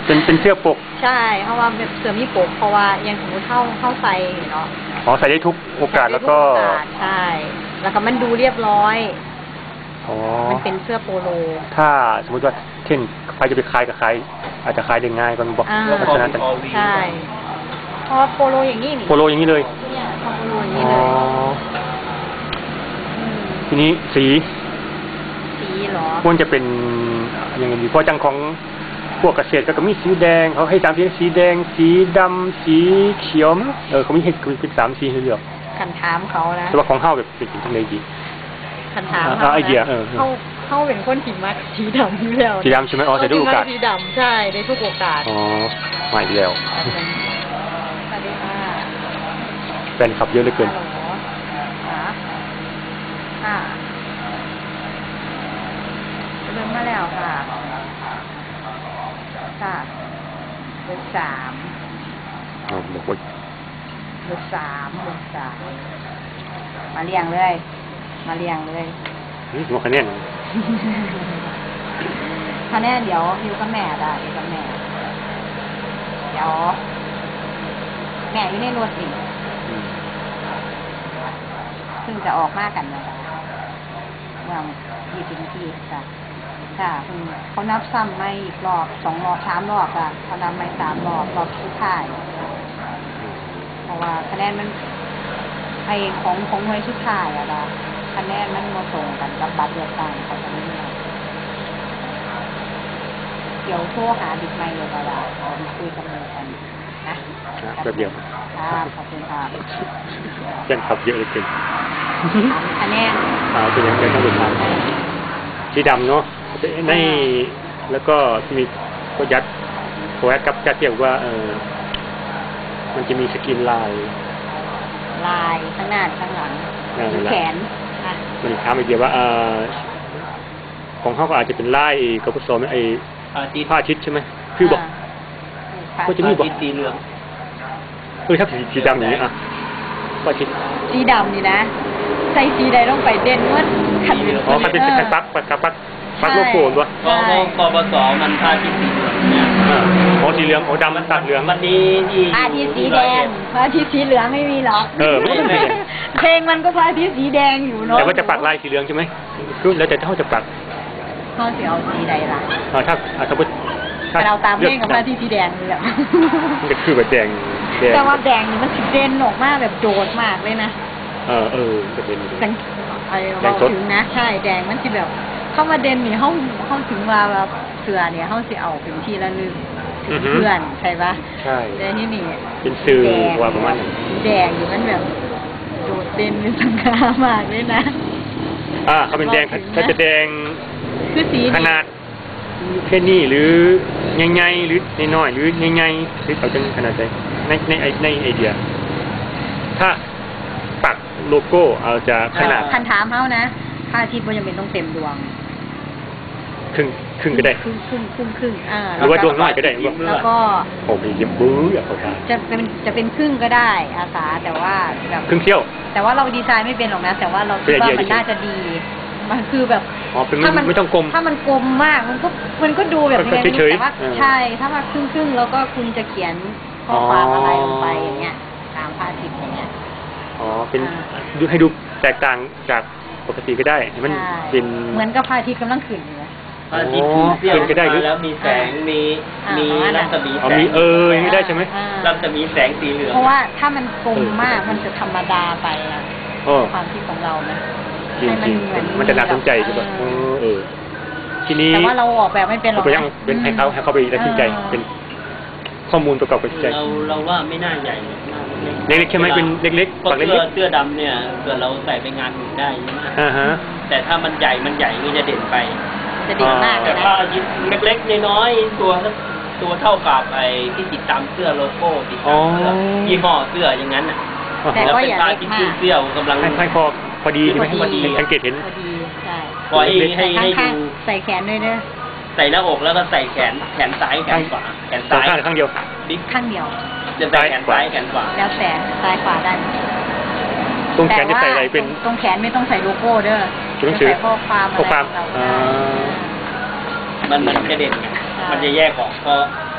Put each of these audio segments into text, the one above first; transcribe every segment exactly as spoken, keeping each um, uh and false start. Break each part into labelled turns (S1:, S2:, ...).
S1: เป็นเป็นเสื้อปก
S2: ใช่เพราะว่าเสื้อมีปกเพราะว่ายังสมมติเข้าเข้าใส่เนาะ
S1: อ๋อใส่ได้ทุกโอกาสแล้วก็
S2: ใช่แล้วก็มันดูเรียบร้อย
S1: อ๋อ
S2: มันเป็นเสื้อโปโล
S1: ถ้าสมมติว่าเช่นใครจะไปคลายกับใครอาจจะคลายได้ง่ายกันบอก
S2: ลักษณะใช่เพราะโปโลอย่างนี้
S1: โปโลอย่างนี้เลย
S2: เนี่ยโปโลอย่างนี้เลย
S1: ทีนี้สี
S2: สีหรอ
S1: ควรจะเป็นยังไงดีเพราะจังของพวกเกษตรก็มีสีแดงเขาให้ตามที่สีแดงสีดำสีเขียวเออเขามีให้เป็นสามสีให้เลือก
S2: คันถามเขานะ
S1: แต่ว่าของเฮาแบบเป็นจังไดดี
S2: คันถามเขาไอเดียเออเขาเขาเป็นคนที่มักสีดำอยู่แล้ว
S1: สีดำใช่ไหมอ๋อแต่ทุกโอกาส
S2: สีดำใช่ในทุกโอกาส
S1: อ๋อมาอีกแล้ว
S2: สวัสดีค่ะ
S1: แฟนคลับเยอะเหลือเกิน
S2: ค่ะเริ่มมาแล้วค่ะค่ะเบอร์สาม
S1: อ๋อบอกว่า
S2: เบอร์สามเบอร์สามมาเรียงเลยมาเรียงเลย
S1: นี่หัวคะแนน
S2: คะแนนเดี๋ยวอยู่กับแม่ได้อยู่กับแม่เดี๋ยวแม่อยู่ในรถอีกซึ่งจะออกมากันนะคะเมื่อยี่สิบนาทีค่ะค่ะเขานับซ้ำไม่อีกรอบสองรอบสามรอบอ่ะเขานับไม่สามรอบรอบสุดท้ายเพราะว่าคะแนนมันไอของของหน่วยสุดท้ายอะนะคะแนนมันมาส่งกันกับบัตรเลือกตั้งเขาจะไม่ได้เดี๋ยวโทรหาบิ๊กไมค์เลยก็ได้เราคุยกันเลยกันนะ
S1: แบบเดียว
S2: ครับขอบคุณครับ
S1: ยังขับเยอะเลยเกิน
S2: คะแนน
S1: อ่าเป็นยังไงต้องดูครับสีดำเนาะในแล้วก็มีก็ยัดโคแอดกับจัดเกี่ยวว่าเออมันจะมีสกินลาย
S2: ลายข้างหน้าข้างหลังแขน
S1: มันถามอีกเดียวว่าเออของเขาก็อาจจะเป็นลายกับผสมไอ้ผ้าชิดใช่ไหมคือบอกก็จะมีบอก
S3: สีเหลือง
S1: เออถ้าสีสีดำอย่างนี้อ่ะผ้าชิด
S2: สีดำนี่นะใส่สีใดต้องไปเด่นว่าขัด
S1: อ๋อขัดเป็นขัดปักปักปักปักโลโก้ด้วย
S3: เพราะว่าปปสมันผ้าชิดสีเหลืองเนี่ย
S1: อ๋อสีเหลืองอ๋อดำมันตัดเหลือง
S3: วันนี้ที่
S2: ผ้าที่สีแดงผ้าที่สีเหลืองไม่มีหรอก
S1: เออไม่ใช่
S2: เพลงมันก็ผ้าที่สีแดงอยู่เนาะ
S1: แต่ว่าจะปักลายสีเหลืองใช่ไหมคือแล้วแต่เขาจะปัก
S2: เขาจะเอาสีใดล่ะ
S1: อ๋อถ้าสมมติ
S2: ถ้าเราตามเพลงกับผ้าที่สีแดงเลยอ่ะ
S1: มันจะคือแบบแดง
S2: แต่ว่าแดงนี่มันสีเด่นออกมาแบบโดดมากเลยนะ
S1: เออเออจะเป็น
S2: ไอ้เราถึงนะใช่แดงมันจะแบบเข้ามาเด่นนี่ห้องห้องถึงว่าแบบเสือเนี่ยห้องจะเอาเป็นที่ละลึกเพื่อนใช่ปะ
S1: ใช่
S2: แต่นี่นี่
S1: เป็นสื่อว่าประมาณ
S2: แดงอยู่มันแบบโดดเด่นเป็นสังขามากเลยนะ
S1: อ่าเขาเป็นแดงเขาจะแดง
S2: คือสี
S1: ขนาดแค่นี้หรือใหญ่ๆหรือน้อยๆหรือใหญ่ๆหรือเขาจะขนาดไหนในในในไอเดียถ้าปักโลโก้เอาจะขนาด
S2: คันถามเขานะพระอาทิตย์มันยังเป็นต้องเต็มดวง
S1: ครึ่งครึ่งก็ได้
S2: ครึ่งครึ่งครึ่งครึ่งอ่า
S1: หรือว่าดวงน้อยก็ได้
S2: แล้วก็
S1: โอ้ยยิ้มบื้ออยากเขาทาน
S2: จะเป็นจะเป็นครึ่งก็ได้อาสาแต่ว่าแบบ
S1: ครึ่งเที่ยว
S2: แต่ว่าเราดีไซน์ไม่เป็นหรอกนะแต่ว่าเราคิดว่ามันน่าจะดีมันคือแบบ
S1: ถ้ามันไม่ต้องกลม
S2: ถ้ามันกลมมากมันก็มันก็ดูแบบนี้แต่ว่าใช่ถ้ามาครึ่งครึ่งแล้วก็คุณจะเขียนข้อความอะไรลงไปอย่างเงี้ยตามพระอาทิตย์อย่างเงี้ย
S1: อ๋อเป็นดูให้ดูแตกต่างจากปกติก็ได้มันเป็น
S2: เหมือนกับพระอาทิตย์กำลังขึ้นอยู่
S3: พระอาทิตย์ขึ้นก็ได้แล้วมีแสงมีมีรัศมีแสง
S1: มีเออไม่ได้ใช่ไหม
S3: รัศมีแสงสีเหลือง
S2: เพราะว่าถ้ามันกลมมากมันจะธรรมดาไปอะความคิดของเรานะ
S1: ให้มันเหมือนมันจะน่าสนใจใช่ป่ะเออทีนี้
S2: แต่ว่าเราออกแบบไม่เป็นหรอก
S1: ยังเป็นให้เขาให้เขาไปตัดสินใจเป็นข้อมูลประกอบกับใจ
S3: เราเราว่าไม่น่าใหญ่
S1: เล็กๆใช่ไหมเป็นเล็กๆ
S3: ปักเล็กๆเสื้อดำเนี่ยเกิดเราใส่ไปงานอื่นได้ใช่ไหม
S1: อ่าฮะ
S3: แต่ถ้ามันใหญ่มันใหญ่นี่จะเด่นไป
S2: จะเด่นมาก
S3: แต่ถ้ายิบเล็กๆน้อยๆตัวตัวเท่ากับไอ้ที่ติดตามเสื้อโลโก้ติดตามเสื้อยี่ห้อเสื้ออย่างนั้นน่ะ
S2: แล้วเป็นผ้า
S3: ที่ขึ้นเสื้อกำลัง
S1: ให้พอพอดีใช่ไหมพอดีสังเกตเห็น
S2: พอดีใช่
S3: ปล่อยให้ให้ดู
S2: ใส่แขนด้วยเนอะ
S3: ใส่หน้าอกแล้วก็ใส่แขนแขนซ้ายแขนขวาแขนซ้าย
S1: ข้างเดียว
S3: บิ๊ก
S2: ข้างเดียว
S3: จะใส่แขนซ้ายแขนขวา
S2: แล้วแต่ซ้ายขวาได้
S1: ตรงแขนจะใส่อะไรเป็น
S2: ตรงแขนไม่ต้องใส่โลโก้เด้อ
S1: จะใส่
S2: ข้อความอะไร
S1: ข้อความ
S3: มันมันจะเด่นมันจะแยกออกเพราะ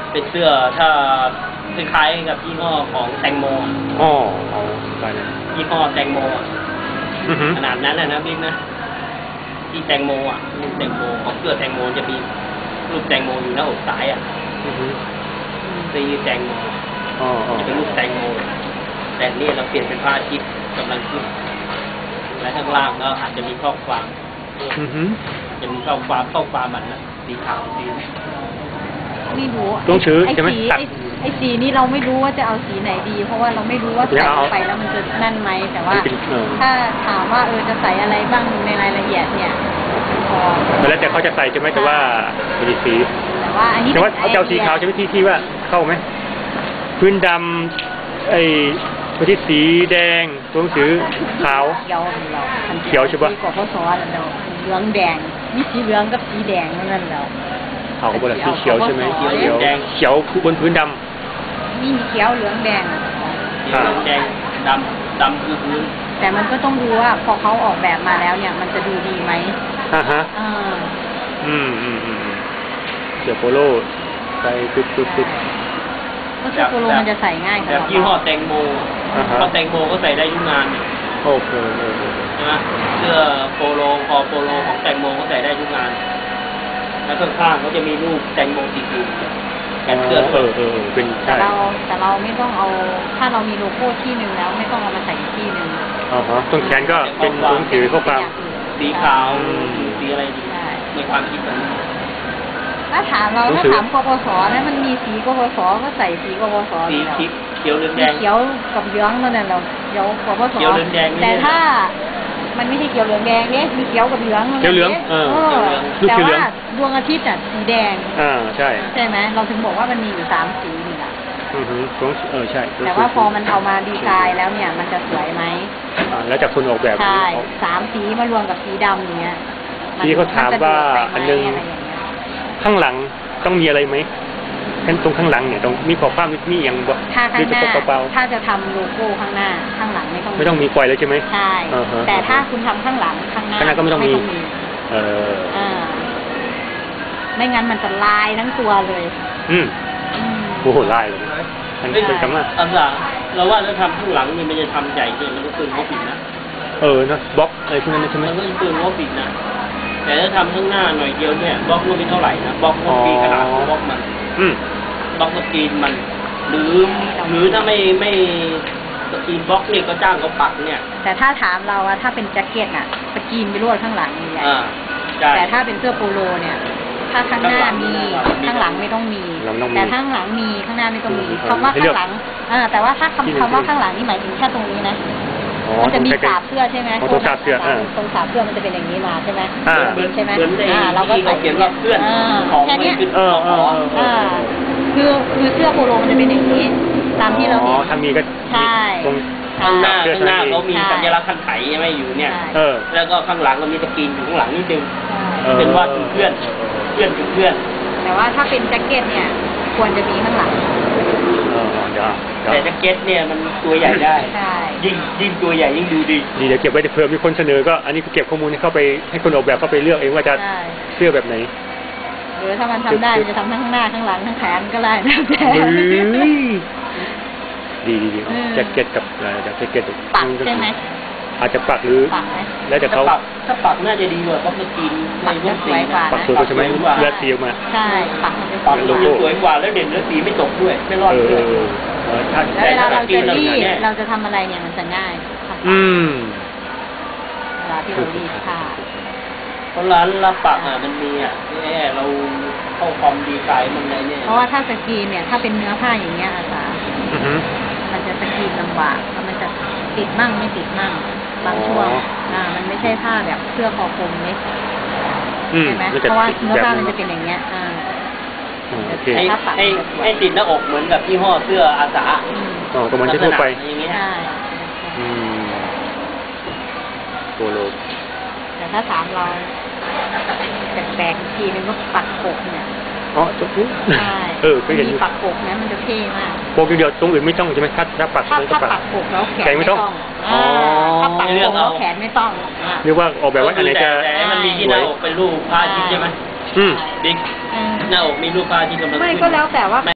S3: เป็นเสื้อถ้าคล้ายๆกับยี่ห้อของแตงโม
S1: อ๋อเอาไปเลย
S3: ยี่ห้อแตงโมอะ
S1: อือฮึ
S3: ขนาดนั้นนะนะบิ๊กนะที่แตงโมอ่ะรูปแตงโมของเสื้อแตงโมจะมีรูปแตงโมอยู่หน้าอกซ้ายอ่ะ
S1: อือฮึ
S3: ซีแตงโม
S1: อ๋ออ๋อ
S3: จะเป็นรูปแตงโมแต่นี่เราเปลี่ยนเป็นพระอาทิตย์กำลังขึ้นและข้างล่างก็อาจจะมีข้อความ
S1: อือฮึ
S3: จะมีข้อความข้อความมันนะสีขาวสี
S2: ไม่รู้
S1: ต้องชื้อ
S2: ไอ้
S1: ใช่ไหม
S2: สี
S1: ตัด
S2: ไอ้ไอ้สีนี่เราไม่รู้ว่าจะเอาสีไหนดี เพราะว่าเราไม่รู้ว่า
S1: เดี๋
S2: ใส่
S1: ยวเอา
S2: ไปแล้วมันจะนั่นไหมแต่ว่า
S1: มันเป็นเออ
S2: ถ้าถามว่าเออจะใส่อะไรบ้างในรายละเอียดเนี่ยพอ
S1: แล้วแต่เขาจะใส่ใช่ไหมแต่ว่ามีสี
S2: แต่ว่าอันนี้
S1: แต่ว่าเขาจะเอาสีขาวใช่ไหมที่ที่ว่าเข้าไหมพื้นดำไอ้พื้นที่สีแดงตัวหนังสือขาว
S2: เขียวเรา
S1: เขียวใช่ปะ
S2: สีกว่าพศแล้วเราเหลืองแดงมีสีเหลืองกับสีแดงนั่นแล้ว
S1: ขาวกับบนสีเขียวใช่ไหม
S2: เขียว
S1: เขียวเขียวบนพื้นด
S2: มีเขียวเหลืองแดงอะ
S3: สีเหลืองแดงดำดำคือพื้น
S2: แต่มันก็ต้องดูว่าพอเขาออกแบบมาแล้วเนี่ย มันจะดูดีไหม
S1: ำอ่าฮะ
S2: อ่า
S1: อืมอืมอืมอืมเสื้อโปโลใส่ปึ๊บปึ๊บปึ๊บ
S2: ก็เสื้อโปโลมันจะใส่ง่าย
S3: แบบยี่ห้อแตงโม
S1: อ่าฮะ
S3: เพราะแตงโมก็ใส่ได้ทุกงานเนี่ย
S1: โอเคโอเค
S3: ใช่ไหมเสื้อโปโลคอโปโลของแตงโมก็ใส่ได้ทุกงาน แล้วข้างๆเขาจะมีรูปแตงโมติดอยู่แขนเสื้อ
S1: เออเออเป็น
S2: แต่
S1: ใช่
S2: เราแต่เราไม่ต้องเอาถ้าเรามีโลโก้ที่หนึ่งแล้วไม่ต้องเอามาใส่อีกที่หนึ่ง
S1: อ่าฮะต้นแขนก็เป็นตัวหนังสือข้อความ
S3: สีขาว
S1: อืม
S3: สีอะไรดี
S2: ใช่
S3: ในความคิดผม
S2: ถ้าถามเรา
S1: หนัง
S2: ถ้า
S1: สือ
S2: ถามกปสนะมันมีสีกปสก็ใส่สีกปส
S3: สี
S2: แล้ว
S3: คิดเขียวเหลืองแด
S2: มี
S3: ง
S2: เขียวกับเหลืองนั่นแหละเราเขียวกปส
S3: เขียวเหลืองแดงนี่
S2: แต่ถ้ามันไม่ใช่เขียวเหลืองแดงเนี่ยมีเขียวกับเหลืองนั่นแหละ
S1: เขียวเหลืองเออ
S2: เออ
S1: ลูก
S2: แต่
S1: เขียวเหลื
S2: ว่า
S1: อง
S2: ดวงอาทิตย์อ่ะสีแดง
S1: อ่าใช่
S2: ใช่ไหมเราถึงบอกว่ามันมีอยู่สามสีนี่แหละ
S1: อือฮึตัวหนังสือเออใช่
S2: แต่ว่าพอมันเอามาดีไซน์แล้วเนี่ย มันจะสวยไหม
S1: อ่าแล้วจากคนออกแบบ
S2: ใช่
S1: เขา
S2: สามสีมารวมกับสีดำอย่างเงี้ยน
S1: ที่เขาถามว่า
S2: จะ
S1: อัน
S2: ดู
S1: นึง
S2: ไปไหมอะไรอย่างเงี้ย
S1: ข้างหลังต้องมีอะไรไหมขั้นตรงข้างหลังเนี่ยต้องมีข้อความมีอย่างบ่
S2: ถ้าข้างหน้า
S1: หรือจะเปล่า
S2: ถ้าจะทำโลโก้ข้างหน้า ข้างหลังไม่ต้อง
S1: ๆไม่ต้องมีไฟเลยใช่ไหม
S2: ใช่
S1: อ่าฮะ
S2: แต่ถ้าคุณทำข้างหลังข้างหน้า
S1: ข้างหน้าก็ไม่ต้องมี เออ
S2: อ่าไม่งั้นมันจะลายทั้งตัวเลย
S1: อืม
S2: อืม
S1: โอ้โหไล่เลยอันนี้เป็นคำว่า
S3: อันหลังเราว่าถ้าทำข้างหลังนี่มันจะทำใหญ่เนี่ยมันก็เกินงบอีกนะ
S1: เออนะบล็อกอะไรพวกนั้นนะใช่ไหม
S3: มันก็เกินงบอีกนะ แต่ถ้าทำข้างหน้าหน่อยเดียวเนี่ยบล็อกมันไม่เท่าไหร่นะบล็อกมันปีขนาดของบล็อกมัน
S1: อืม
S3: บล็อกสกรีนมัน หรือหรือถ้าไม่ไม่สกรีนบล็อกเนี่ยก็จ้างเขาปักเนี่ย
S2: แต่ถ้าถามเราอะถ้าเป็นแจ็คเก็ตอะสกรีนไปรวดข้างหลังใหญ่
S3: อ่าใช่
S2: แต่ถ้าเป็นเสื้อโปโลเนี่ย ถ้าข้างหน้ามี
S3: ข้างหลัง
S2: ข้างหลังไม่ต้องมี
S1: เราไม่ต้องมี
S2: แต่ถ้าข้างหลังมีข้างหน้าไม่ต้องมี
S1: อืม
S2: คำว่า
S1: ให้เลื
S2: ข้า
S1: อก
S2: งหลังอ่าแต่ว่าถ้า
S1: ที่หนึ่ง
S2: คำคำว่าข้างหลังนี่หมายถึงแค่ตรงนี้นะ
S1: อ๋อ
S2: มันจะมี
S1: ตรงใกล้ๆ
S2: สาบเสื้อใช่ไหม
S1: อ๋อตรงสาบเสื้ออ่า
S2: ตรงสาบเสื้อมันจะเป็นอย่างนี้มาใช่ไหม
S1: อ่า
S3: เหมือน
S2: ใช่ไหม
S3: เหมือนใน
S2: อ่าเราก็
S3: ที่
S2: ใส่
S3: เขาเขียนว่าเพื่อน
S2: อ่า
S3: ของ
S2: แค่
S3: ไม่
S2: เนี้ย
S3: ขึ้น
S1: เออ
S3: ของ
S1: เออ
S2: อ่าคือคือเสื้อโปโลมันจะเป็นอย่างนี้ ตามที่เรา
S1: อ๋
S2: เห็
S1: อน ถ้ามีก็
S2: ใช่
S1: ตรง
S3: ข้างหน้า
S1: เสื้อ
S3: ข้างหน้า
S1: ชั้นใน
S3: เขามี
S2: ใช่
S3: สัญลักษณ์คันไถใช่ไหมอยู่เนี่ย
S2: ใช่
S1: เออ
S3: แล้วก็ข้างหลังก็มีสกรีนอยู่ข้างหลังนิดนึง
S1: เออ
S3: เป็นว่าถึงเพื่อนเพื่อนถึงเพื่อน
S2: แต่ว่าถ้าเป็นแจ็คเก็ตเนี่ย ควรจะมีข้างหลัง
S1: เออเดี๋ยวเดี๋ยว
S3: แต่แจ็คเก็ตเนี่ยมันตัวใหญ่ได้
S2: ใช่
S3: ยิ่งยิ่งตัวใหญ่ยิ่งดูดี
S1: ดีเดี๋ยวเก็บไว้เผื่อมีคนเสนอก็อันนี้ก็เก็บข้อมูลให้เข้าไปให้คนออกแบบเข้าไปเลือกเองว่าจะ
S2: ใช่
S1: เสื้อแบบไหน
S2: หรือถ้ามันทำได้มันจะทำทั้งข้างหน้าข้างหลังทั้งแขนก็ได้แล้วแต่
S1: เฮ้ยดีดีดี
S2: เออ
S1: แจ็คเก็ตกับอะไรแจ็คเก็ต
S2: ปักใช่ไหม
S1: อาจจะปักหรือ
S2: ปักไหม
S1: แล้วแต่
S3: ถ้า
S1: เขา
S3: ปักถ้าปักน่าจะดีกว่าเพราะสกรีนในรูปสี
S2: ปักจะสวยกว่า
S1: ปักสวยกว่าใช่ไหมเลือดสีออกมา
S2: ใช่ ปักมันจะส
S3: ปัก
S2: วย
S1: โล
S3: มัน
S1: โก้
S3: จะสวยกว่าแล้วเด่นแล้วสีไม่ตกด้วย ไม่รอด
S1: เออ
S3: เพื่อน
S1: เออถ้า
S2: แล้วเวลาเราจะรีด
S3: แต่ถ้าสกรีนเราเนี่ย
S2: เราจะทำอะไรเนี่ยมันจะง่าย
S1: อืม
S2: เวลาที่เรารีดผ้า
S3: เพราะร้านรับปักอ่ะมันมีอ่ะแน่เราเข้าความดีไซน์มันอะไรเนี่ย
S2: เพราะว่าถ้าสกรีนเนี่ย ถ้าเป็นเนื้อผ้าอย่างเงี้ยอาสา
S1: อือฮึ
S2: มันจะสกรีนลำบากแล้วมันจะติดมั่งไม่ติดมั่งบางช่วง
S1: อ๋ออ่
S2: อ่า มันไม่ใช่ผ้าแบบเสื้อคอคลุมนี่
S1: อืม
S2: ใช่ไหม
S1: แล้ว
S2: เพ
S1: จะ
S2: ราะว่า
S1: ติด
S2: เนื้อ
S1: แบบ
S2: ผ้า
S1: นึ
S2: มัน
S1: ง
S2: จะเป็นอย่างเงี้ย อ่า
S1: อ๋อโอเค
S3: ให้
S2: ถ้าปัก
S3: ให้
S2: มันจะสวย
S3: ให้ติดหน้าอกเหมือนกับยี่ห้อเสื้ออาสา
S2: อืม
S1: อ๋อก็เหมันทั่วไป
S3: ลักษณะอย่างเงี้ย
S2: ใช่
S1: อืมโปโล
S2: แต่ถ้าถามเราแปลกๆอีกทีนึงก็ปักปกเนี่ย
S1: อ๋อจุ๊บ
S2: ใช่
S1: เออเคยเห็นอ
S2: มี
S1: ยู่
S2: ปักปกนะมันจะเท่มาก
S1: โปกเดียวตรงอื่นไม่ต้องใช่ไหมถ้าถ้าปัก
S2: ถ้า
S1: มันก็
S2: ถ้า
S1: ปัก
S2: ปักปกแล้วแขน
S1: แขนไม่
S2: ไม่
S1: ต้
S2: ต้
S1: อ
S2: อง งอ่า
S1: อ๋อ
S2: ถ้าปักปกแล้วแขนไม่ต้องอ่า
S1: เรียกว่าออกแบบว่าอันไหนจะ
S3: แต่ให้มันมีที่หน้าอกเป็นรูปพระอาทิตย์ใช่ไหม
S1: อืม
S3: บิ๊ก
S2: เออ
S3: หน้าอกมีรูปพระอาทิตย์กำลัง
S2: ไม่
S3: ขึ้น
S2: ก็แล้วแต่ว่า